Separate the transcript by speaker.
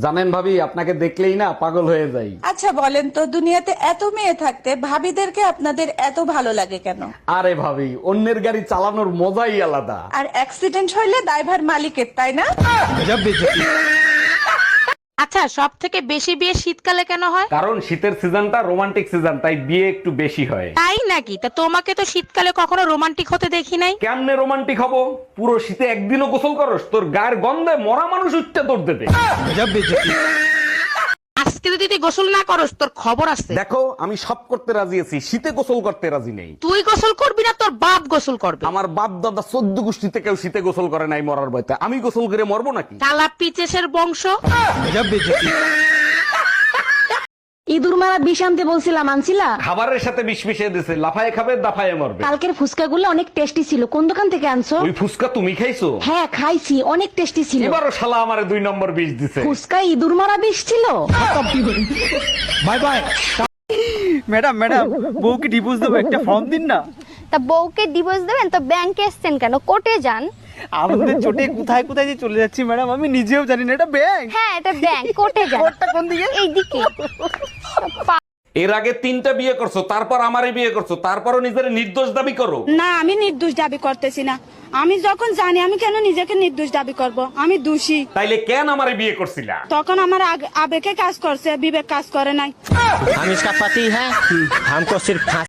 Speaker 1: জানেন ভাবি, আপনাকে দেখলেই না পাগল হয়ে যাই।
Speaker 2: আচ্ছা বলেন তো, দুনিয়াতে এত মেয়ে থাকতে ভাবিদেরকে আপনাদের এত ভালো লাগে কেন?
Speaker 1: আরে ভাবি, অন্যের গাড়ি চালানোর মজাই আলাদা।
Speaker 2: আর অ্যাক্সিডেন্ট হইলে দায়ভার মালিকের, তাই না?
Speaker 3: আচ্ছা, সব থেকে বেশি বিয়ে শীতকালে কেন হয়?
Speaker 1: কারণ শীতের সিজনটা রোমান্টিক সিজন, তাই বিয়ে একটু বেশি হয়।
Speaker 3: তাই নাকি? তা তোমাকে তো শীতকালে কখনো রোমান্টিক হতে দেখি নাই।
Speaker 1: কেমনে রোমান্টিক হবো? পুরো শীতে একদিনও গোসল করস? তোর গায়ের গন্ধে মরা মানুষ উঠতে তোর দেবে।
Speaker 3: আজকে যদি তুই গোসল না করস তোর খবর আছে।
Speaker 1: দেখো, আমি সব করতে রাজি আছি, শীতে গোসল করতে রাজি নেই।
Speaker 3: তুই গোসল করবি না, তোর বাপ গোসল করবে।
Speaker 1: আমার বাপ দাদা 14 গোষ্ঠীতে কেউ শীতে গোসল করে নাই মরার ভয়তে। আমি গোসল করে মরবো নাকি?
Speaker 3: কালা পিচেসের বংশ।
Speaker 4: ইঁদুর মারা বিষ আনতে বলছিলাম, আনছিলা?
Speaker 1: খাবারের সাথে বিষ মিশিয়ে দিছে, লাফায়ে খাবে দাফায়ে মরবে।
Speaker 4: কালকের ফুচকাগুলো অনেক টেস্টি ছিল, কোন দোকান থেকে আনছো?
Speaker 1: ওই ফুসকা তুমি খাইছো?
Speaker 4: হ্যাঁ খাইছি, অনেক টেস্টি ছিল।
Speaker 1: এবারও শালা আমারে 2 নম্বর বিষ দিছে।
Speaker 4: ফুচকায় ইঁদুর মারা বিষ ছিল।
Speaker 5: Bye bye. ম্যাডাম বউকে ডিভোর্স দেবো, একটা ফর্ম দিন না।
Speaker 6: তা বউকে ডিভোর্স দেবেন তো ব্যাংকে এসছেন কেন? কোর্টে যান।
Speaker 5: আমাদের চোটে কোথায় কোথায় যে চলে যাচ্ছি ম্যাডাম, আমি নিজেও জানি না। এটা ব্যাংক।
Speaker 6: হ্যাঁ এটা ব্যাংক, কোর্টে যান।
Speaker 5: কোর্টটা কোন দিকে?
Speaker 6: এইদিকে।
Speaker 1: এর আগে 3টা বিয়ে করছো, তারপর আমারে বিয়ে করছো, তারপরও নিজের নির্দোষ দাবি করো।
Speaker 7: না, আমি নির্দোষ দাবি করতেছি না। আমি যখন জানি, আমি কেন নিজেকে নির্দোষ দাবি করব? আমি দোষী।
Speaker 1: তাইলে কেন আমারে বিয়ে করছিলা?
Speaker 7: তখন আমার আবেগে কাজ করছে, বিবেক কাজ করে নাই।
Speaker 8: हम इसका पति है, हमको सिर्फ